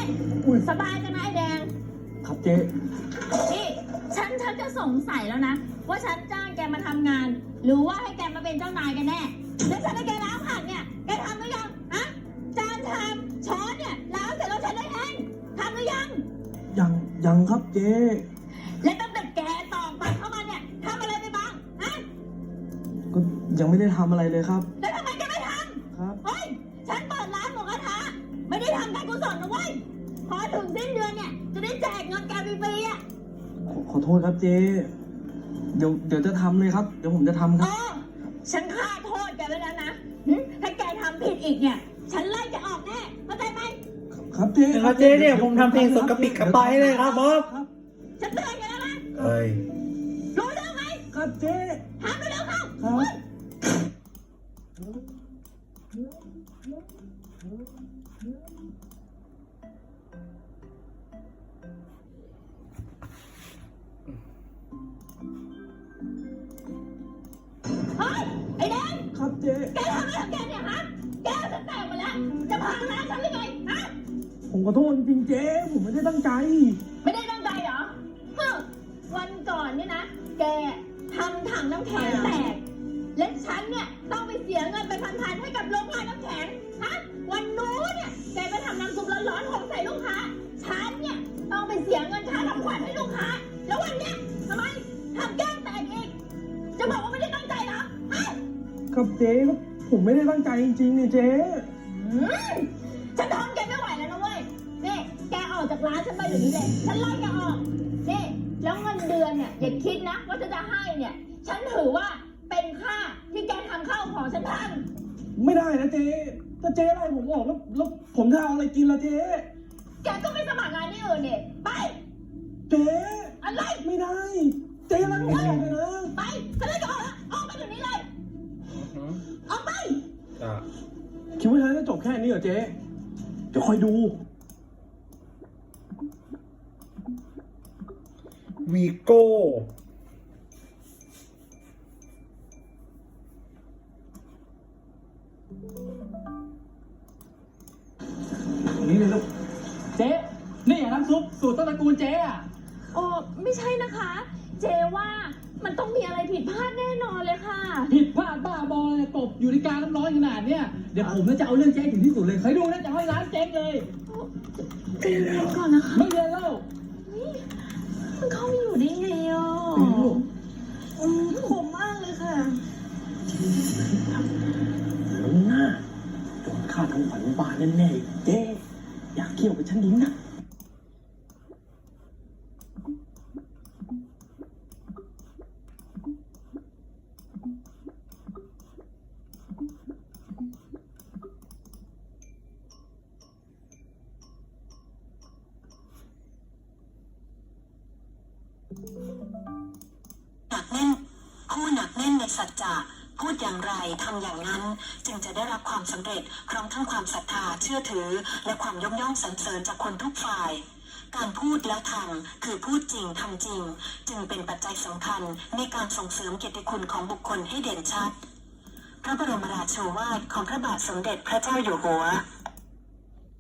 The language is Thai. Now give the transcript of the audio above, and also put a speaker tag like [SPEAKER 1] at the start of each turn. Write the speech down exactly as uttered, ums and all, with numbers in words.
[SPEAKER 1] สบายจังนะไอ้แดง
[SPEAKER 2] ครับเจ๊
[SPEAKER 1] นี่ฉันฉันจะสงสัยแล้วนะว่าฉันจ้างแกมาทำงาน หรือว่าให้แกมาเป็นเจ้านายกันแน่แล้วฉันให้แกล้างผักเนี่ยแกทำหรือยังฮะจานชามช้อนเนี่ยล้างเสร็จแล้วฉันได้เองทำหรือยัง
[SPEAKER 2] ยังยังครับเจ๊
[SPEAKER 1] และตั้งแต่แกตอกบัตรเข้ามาเนี่ยทำอะไรไปบ้างฮะ
[SPEAKER 2] ก็ยังไม่ได้ทำอะไรเลยครับ
[SPEAKER 1] แล้วทำไมแกไม่ทำครับเฮ้ยฉันเปิดร้านหมูกระทะไม่ได้ทำการกุศลนะเว้ยพอถึงสิ้นเดือนเนี่ยจะได้แจกเงินแกฟรีๆอ่ะ
[SPEAKER 2] ขอขอโทษครับเจ๊เดี๋ยวเดี๋ยวจะทำเลยครับเดี๋ยวผมจะทำครับ
[SPEAKER 1] ฉันฆ่าโทษแกไว้แล้วนะถ้าแกทำผิดอีกเนี่ยฉันไล่แกออกแน่เข้าใจไหม
[SPEAKER 2] ครับเจ๊
[SPEAKER 3] ครับเจ๊เนี่ยผมทำเพลงสดกระปิกกระปายเลยครับบอส
[SPEAKER 1] ฉันเตือนแกแล้วนะ
[SPEAKER 3] เอ้ย
[SPEAKER 1] รู้เรื่องไหม
[SPEAKER 2] ครับเจ๊
[SPEAKER 1] ทำไปเร็วเข้า
[SPEAKER 2] ครับ
[SPEAKER 1] เฮ้ยไอ้แดง
[SPEAKER 2] ครับเจ๊
[SPEAKER 1] แกทำอะไรของแกเนี่ยฮะแกจะแตกหมดแล้วจะพังร้านฉันหรือไงฮะ
[SPEAKER 2] ผมขอโทษจริงๆเจ๊ผมไม่ได้ตั้งใจ
[SPEAKER 1] ไม่ได้ตั้งใจเหรอเฮ้ยวันก่อนเนี่ยนะแกทำถังน้ำแข็งแตกและฉันเนี่ยต้องไปเสียเงินไปพันๆให้กับโรงงานน้ำแข็งฮะวันนู้นเนี่ยแกไปทำน้ำซุปร้อนๆหกใส่ลูกค้าฉันเนี่ยต้องไปเสียเงินค่าทำขวัญให้ลูกค้าแล้ววันเนี้ยทำไมทำแก้มแตกอีกจะบอกว่าไม่ได้ตั้งใจเหรอฮะ
[SPEAKER 2] ครับเจ๊ครับผมไม่ได้ตั้งใจจริงๆเนี่ยเจ๊
[SPEAKER 1] ฉันทนแกไม่ไหวแล้วนะเว้ยนี่แกออกจากร้านฉันไปอยู่นี้เลยฉันไล่แกออกนี่แล้วเงินเดือนเนี่ยอย่าคิดนะว่าฉันจะให้เนี่ยฉันถือว่าเป็นค่าที่แกทำข้าวของฉันทัน
[SPEAKER 2] ไม่ได้นะเจ๊ถ้าเจ๊ไล่ผมออกแล้วแล้วผมจะเอาอะไรกินล่ะเจ๊
[SPEAKER 1] แกก็ไม่สมัครงานที่อื่นเนี่ยไป
[SPEAKER 2] เจ๊
[SPEAKER 1] อะไร
[SPEAKER 2] ไม่ได้เจ๊ไล่ผมออกเลยนะ
[SPEAKER 1] ไปฉันไล่แกออกแล้วออกไปเดี๋ยวนี้เลยออกไป
[SPEAKER 2] คิดว่าฉันจะจบแค่นี้เหรอเจ๊เดี๋ยวคอยดู
[SPEAKER 3] วีโก้
[SPEAKER 2] นี่เลยลูกเจ๊นี่น้ำซุปสูตรต้นตระกูลเจ๊อะ
[SPEAKER 1] โอ้ไม่ใช่นะคะเจว่ามันต้องมีอะไรผิดพลาดแน่นอนเลยค่ะ
[SPEAKER 2] ผิดพลาดบ้าบอเลยกบอยู่ในการน้ำร้อนขนาดเนี้ยเดี๋ยวผมจะเอาเรื่องเจ๊ถึงที่สุดเลยเคยดูนะจะให้ร้านเจ๊งเลย
[SPEAKER 1] ใจเย็นก่อนนะคะ
[SPEAKER 2] ไม่เรียนแล้ว
[SPEAKER 1] มันเข้าไม่อยู่ได้ไงอ่ะอืมขมมากเลยค่ะ
[SPEAKER 2] น้ำหน้าโดนฆ่าทั้งฝันบานแน่ๆเจ๊อยากเกี่ยวกับฉันดิ้งนะ
[SPEAKER 4] หนักแน่นผู้หนักแน่นในสัจจะพูดอย่างไรทำอย่างนั้นจึงจะได้รับความสำเร็จพร้อมทั้งความศรัทธาเชื่อถือและความยกย่องสรรเสริญจากคนทุกฝ่ายการพูดแล้วทำคือพูดจริงทำจริงจึงเป็นปัจจัยสำคัญในการส่งเสริมเกียรติคุณของบุคคลให้เด่นชัดพระบรมราโชวาทของพระบาทสมเด็จพระเจ้าอยู่หัว